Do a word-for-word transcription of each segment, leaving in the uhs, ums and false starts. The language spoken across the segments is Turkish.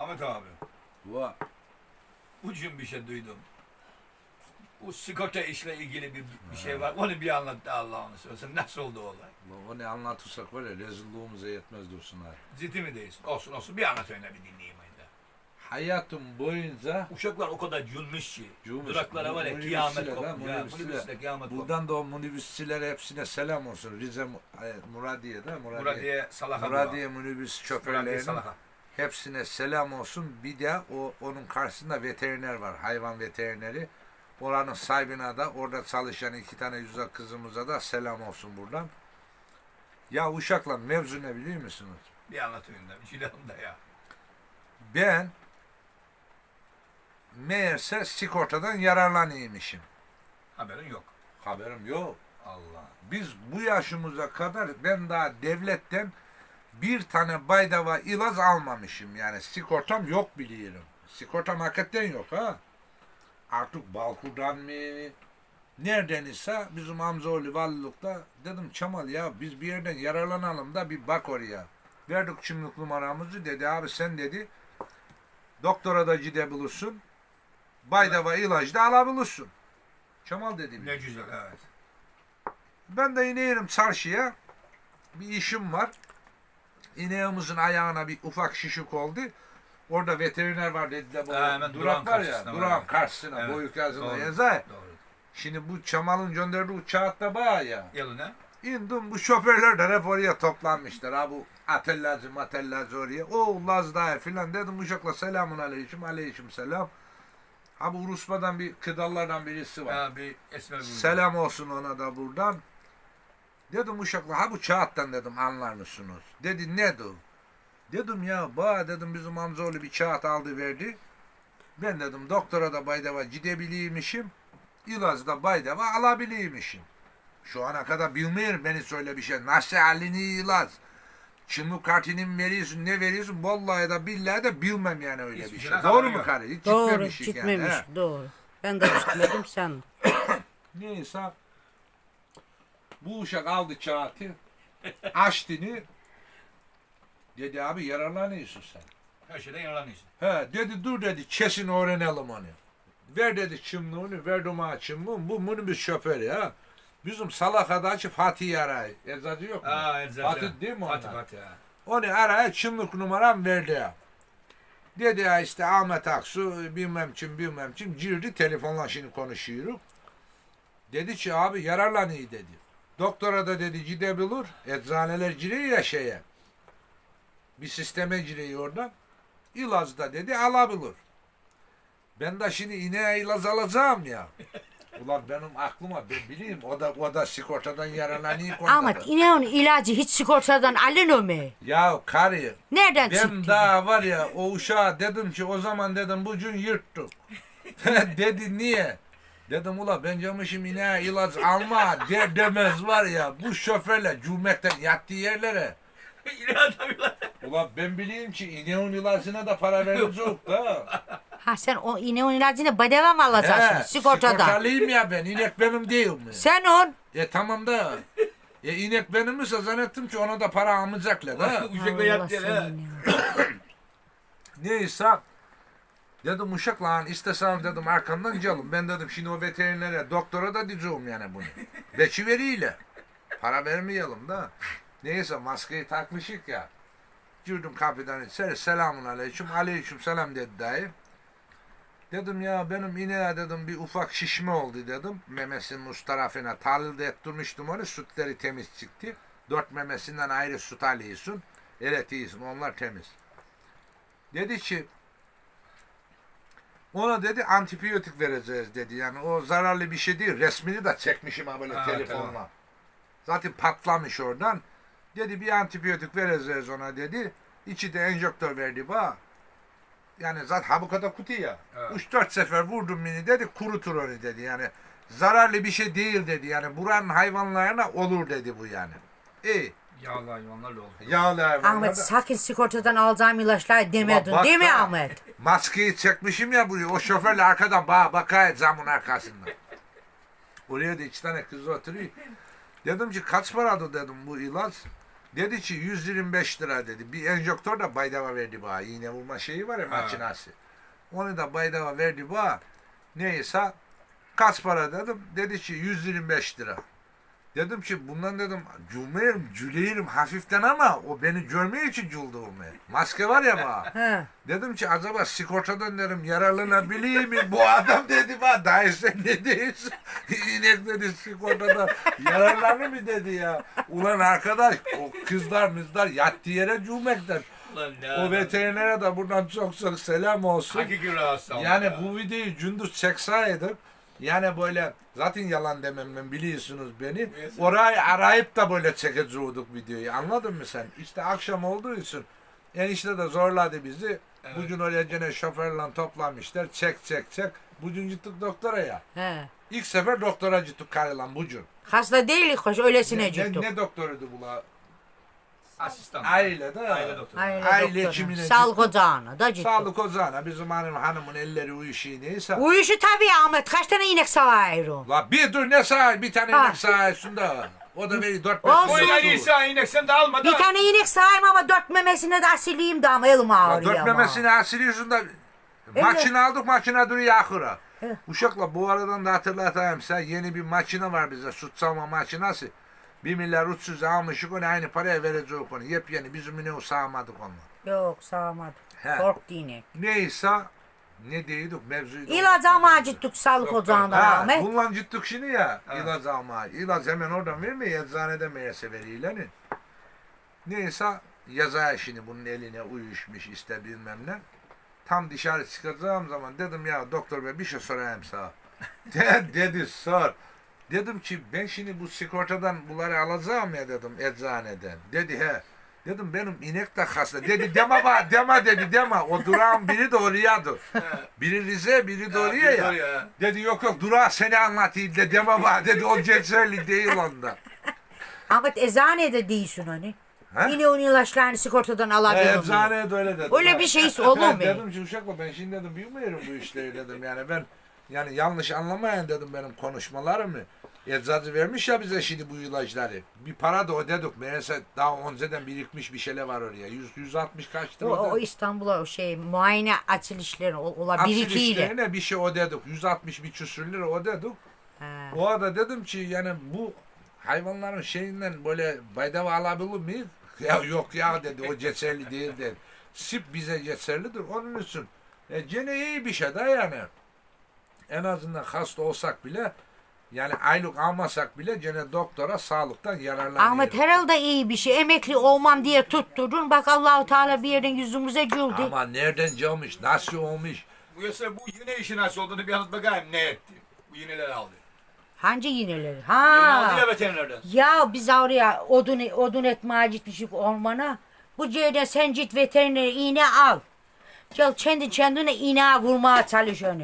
Ahmet abi. Va. Ucun bir şey duydum. Bu sigorta işle ilgili bir, bir şey var. Onu bir anlat da Allah'ını seversen. Nasıl oldu o olay? Onu anlatırsak var ya rezilliğimize yetmez dursunlar. Ciddi mi değilsin? Olsun olsun. Bir anlat öyle bir dinleyeyim ayda. Hayatım boyunca Uşaklar o kadar cülmüş ki. Cülmüş. Duraklara var ya Minibüsçiler kıyamet ha, kopmuş. Ya, minibüsçiler. minibüsle kıyamet kopmuş. buradan da o minibüsçilere hepsine selam olsun. Rize e, Muradiye'de Muradiye, Muradiye Salah'a. Muradiye minibüs Muradiye şoförlerinin Salah'a. hepsine selam olsun. Bir de o onun karşısında veteriner var. Hayvan veterineri. Oranın sahibine de orada çalışan iki tane güzel kızımıza da selam olsun buradan. Ya uşakla mevzu ne biliyor musunuz? Bir anlat öyle. Bir şey da ya. Ben meğerse sigortadan yararlanıyormuşum. Haberin yok. Haberim yok. Allah. Biz bu yaşımıza kadar ben daha devletten bir tane baydava ilaç almamışım. Yani sigortam yok biliyorum. Sigortam hakikaten yok ha. Artık Balkur'dan mı? Nereden ise bizim amcaoğlu valililikte dedim Çamal ya biz bir yerden yararlanalım da bir bak oraya. Verdik kimlik numaramızı dedi abi sen dedi doktora da gidebilirsin. Baydava ilacı da alabilirsin. Çamal dedi. Ne güzel evet. Ben de inerim çarşıya. Bir işim var. İneğimizin ayağına bir ufak şişik oldu. Orada veteriner var dediler. Bu Ha, hemen durak var ya. karşısına var. Durağın karşısına. Evet, Boyuk yazılı doğru, yazar. Doğru. Şimdi bu Çamal'ın gönderdiği uçağı da bağ ya. Yalına. İndim bu şoförler de hep oraya toplanmışlar. Ha bu atellacı matellacı oraya. O Lazda filan dedim uşakla selamun aleyküm aleyküm selam. Ha bu Rusba'dan bir kıdallardan birisi var. Ha, bir esmer buldu. Selam olsun ona da buradan. Dedim uşakla ha bu kağıttan dedim anlar mısınız? Dedi ne o? Dedim ya ba dedim bizim amcaoğlu bir kağıt aldı verdi. Ben dedim doktora da baydava gidebiliymişim. İlacı da baydava alabiliymişim. Şu ana kadar bilmiyorum beni söyle bir şey. Nasıl halini ilaç? Kimlik kartını mı veriyorsun ne veriyorsun? Vallahi da billahi de bilmem yani öyle Hiçbir bir şeyden şey. Doğru haberin mu yok. karı? Hiç Doğru, gitmemişik gitmemiş. yani. he. Doğru. Ben de gitmedim sen. Neyse bu uşak aldı kağıtı açtığını dedi abi yararlanıyorsun sen. Her şeyden yararlanıyorsun. He dedi dur dedi kesin öğrenelim onu. Ver dedi kimliğini verdim ha kimliğini bu minibüs şoförü ha. Bizim Salaka'daki Fatih arayı. Eczacı yok mu? Aa, Eczacı. Fatih değil mi Fatih onlar? Fatih ha. Onu araya kimlik numaram verdi ya. Dedi ya işte Ahmet Aksu bilmem kim bilmem kim girdi telefonla şimdi konuşuyoruz. Dedi ki abi yararlanıyor dedi. Doktora da dedi gidebilir. Eczaneler giriyor ya şeye. Bir sisteme giriyor oradan. İlacı da dedi alabilir. Ben de şimdi ineğe ilaç alacağım ya. Ulan benim aklıma ben bileyim o da o da sigortadan yararlanıyor. Ahmet ineğin ilacı hiç sigortadan alınır mı? Ya karı Nereden ben çıktı? daha var ya o uşağa dedim ki o zaman dedim bugün yırttık. Dedi niye? Dedim ula ben camışım ineğe ilaç alma der demez var ya bu şoförle cümletten yattığı yerlere. Yine adamlar. Ulan ben bileyim ki ineğin ilacına da para verecek da. Ha sen o ineğin ilacını bedava mı alacaksın sigortadan? Sigortalıyım ya ben inek benim değil mi? Sen on. E tamam da. E inek benim ise zannettim ki ona da para almayacaklar da. Uşakla yattı ya. seni. Neyse dedim uşak lan istesem dedim arkandan gelin. Ben dedim şimdi o veterinere doktora da diyeceğim yani bunu. Beçi veriyle. Para vermeyelim da. Neyse maskeyi takmışık ya. Girdim kapıdan içeri selamun aleyküm. Aleyküm selam dedi dayı. Dedim ya benim ineğe dedim bir ufak şişme oldu dedim. Memesinin üst tarafına tahlilde ettirmiştim onu. Sütleri temiz çıktı. Dört memesinden ayrı süt alıyorsun. Evet iyisin onlar temiz. Dedi ki ona dedi antibiyotik vereceğiz dedi. Yani o zararlı bir şey değil. Resmini de çekmişim ha böyle Ha, telefonla. tamam. Zaten patlamış oradan. Dedi bir antibiyotik vereceğiz ona dedi. İçi de enjektör verdi bana. Yani zaten ha bu kadar kutu ya. Evet. Üç dört sefer vurdum beni dedi kurutur onu dedi. Yani zararlı bir şey değil dedi. Yani buranın hayvanlarına olur dedi bu yani. İyi. Yağlı hayvanlarla oldu. Yağlı hayvanlar Ahmet da- sakın sigortadan alacağım ilaçlar demedin bak değil mi da. Ahmet? Maskeyi çekmişim ya buraya. O şoförle arkadan bana bakıyor camın arkasından. Oraya da iki tane kız oturuyor. Dedim ki kaç paradı dedim bu ilaç. Dedi ki yüz yirmi beş lira dedi. Bir enjektör de baydava verdi bana. İğne vurma şeyi var ya Ha. makinası. Onu da baydava verdi bana. Neyse kaç para dedim. Dedi ki yüz yirmi beş lira. Dedim ki bundan dedim cümleyelim, cüleyelim hafiften ama o beni görmeye için cüldüğümü. Maske var ya bana. He. Dedim ki acaba sigortadan dedim yararlanabiliyor mi? Bu adam dedi bana daha sen ne değilsin? İnek dedi sigortadan yararlanır mı dedi ya. Ulan arkadaş o kızlar mızlar yattığı yere cümlekten. Ulan ne O adam. veterinere de buradan çok çok selam olsun. Hakiki rahatsız ama Yani ya. bu videoyu gündüz çekseydik yani böyle zaten yalan dememden biliyorsunuz beni. Neyse. Orayı arayıp da böyle çekecektik videoyu. Anladın mı sen? İşte akşam olduğu için enişte de zorladı bizi. Evet. Bugün oraya gene şoförle toplamışlar. Çek çek çek. Bugün gittik doktora ya. He. İlk sefer doktora gittik karılan bugün. Hasta değilik hoş öylesine Ne, ne, gittik. ne doktoruydu bu la? Asistan. Aile de. Aile doktoru. Aile, Aile doktora. hekimine Sağlık ocağına da gittik. Sağlık ocağına bizim hanım, hanımın elleri uyuşuyor neyse. Uyuşu tabii Ahmet. Kaç tane inek sağıyor? La bir dur ne sağ bir tane Ha. inek sağıyorsun O da beni dört beş Olsun. yıl Oyla oldu. İsa inek sen de alma da. Bir tane inek sağayım ama dört memesine de asileyim de ama elim La ağrıyor dört ama. memesini asılıyorsun da Evet. makine aldık makine duruyor ahıra. Evet. Uşakla bu aradan da hatırlatayım sen yeni bir makine var bize süt sağma makinesi. Bir milyar üç yüz almışık onu aynı paraya vereceğiz onu. Yepyeni bizim ineği sağmadık onu. Yok sağamadım. He. Korktu inek. Neyse ne diyorduk mevzuydu. İlaç almaya gittik sağlık Doktor. ocağından Ha, Ahmet. bundan gittik şimdi ya Ha. ilaç almaya. İlaç hemen oradan vermiyor eczanede meğerse veriyorlar. Neyse yazar şimdi bunun eline uyuşmuş işte bilmem ne. Tam dışarı çıkacağım zaman dedim ya doktor bey bir şey sorayım sana. De, dedi sor. Dedim ki ben şimdi bu sigortadan bunları alacağım ya dedim eczaneden. Dedi he. Dedim benim inek de hasta. Dedi deme bana deme dedi deme. O durağın biri de oraya dur. Biri Rize biri de Ha, oraya bir ya. oraya. Dedi yok yok durağı seni anlatayım de deme bana dedi o geçerli değil onda. Ahmet eczanede değilsin hani. Ha? Yine onun ilaçlarını sigortadan E, alabilirim. eczaneye de öyle dedi. Öyle bir şey olur mu? Dedim ki uşakla ben şimdi dedim bilmiyorum bu işleri dedim yani ben yani yanlış anlamayın dedim benim konuşmalarımı. Eczacı vermiş ya bize şimdi bu ilaçları. Bir para da ödedik. Meğerse daha önceden birikmiş bir şeyler var oraya. yüz yüz altmış kaçtı O, o orada. İstanbul'a o şey muayene açılışları o- ola Aksil birikiyle. işlerine bir şey ödedik. yüz altmış bir küsür lira ödedik. Ha. O arada dedim ki yani bu hayvanların şeyinden böyle baydava alabilir miyiz? Ya yok ya dedi o geçerli değil dedi. Sip bize geçerlidir onun için. E gene iyi bir şey de yani. En azından hasta olsak bile yani aylık almasak bile gene doktora sağlıktan yararlanıyoruz. Ahmet herhalde iyi bir şey. Emekli olmam diye tutturdun. Bak Allahu Teala bir yerden yüzümüze güldü. Ama nereden gelmiş, nasıl olmuş? Bu yasa bu yine işin nasıl olduğunu bir anlat bakayım ne etti. Bu yineleri aldı. Hangi iğneleri? Yine aldı ya Ha. veterinerden. Ya biz oraya odun odun etmeye gitmişik ormana. Bu yerden sen git veterinere iğne al. Gel kendi kendine iğne vurmaya çalış onu.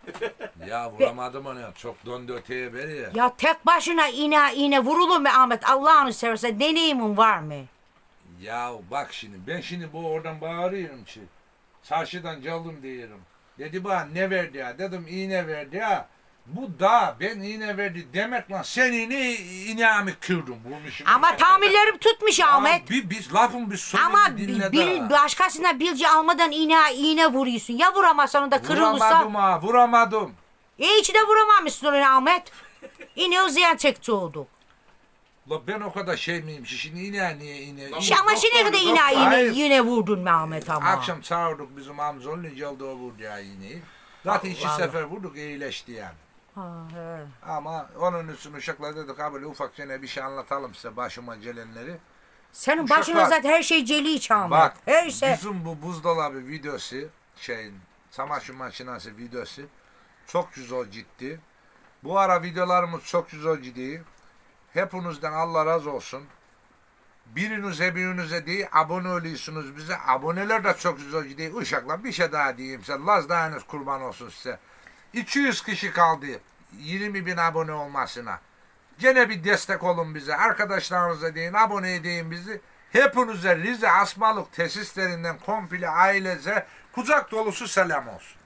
Ya vuramadım onu ya. Çok döndü öteye beri ya. Ya tek başına iğne iğne vurulur mu Ahmet? Allah'ını seversen deneyimin var mı? Ya bak şimdi ben şimdi bu oradan bağırıyorum ki. Çarşıdan geldim diyorum. Dedi bana ne verdi ya? Dedim iğne verdi ya. Bu da ben iğne verdi demek lan sen iğne iğnemi kırdım vurmuşum. Ama tamirlerim tutmuş Ya Ahmet. Bir, biz lafın bir sözünü Ama dinle bil, bil, daha. başkasına bilgi almadan iğne iğne vuruyorsun. Ya vuramazsan da kırılırsa. Vuramadım ha vuramadım. E hiç de vuramamışsın onu Ahmet. İğne o ziyan çekti oldu. La ben o kadar şey miyim ki şimdi iğne niye iğne. Lan İşte ama doktor, şimdi kadar iğne doktor. iğne Hayır. yine vurdun mu Ahmet ama. Akşam çağırdık bizim amcanın geldi o vurdu ya iğneyi. Zaten iki Allah. sefer vurduk iyileşti yani. Ha, he. Ama onun için uşaklar dedik ha böyle ufak gene bir şey anlatalım size başıma gelenleri. Senin Uşaklar- başına zaten her şey celi Ahmet. Bak Her şey. bizim bu buzdolabı videosu şeyin çamaşır makinesi videosu çok güzel ciddi. Bu ara videolarımız çok güzel ciddi. Hepinizden Allah razı olsun. Birinize birinize değil abone oluyorsunuz bize. Aboneler de çok güzel ciddi. Uşaklar bir şey daha diyeyim size. Laz dayanız kurban olsun size. iki yüz kişi kaldı yirmi bin abone olmasına. Gene bir destek olun bize. Arkadaşlarınıza deyin, abone edin bizi. Hepinize Rize Asmalık tesislerinden komple ailece kucak dolusu selam olsun.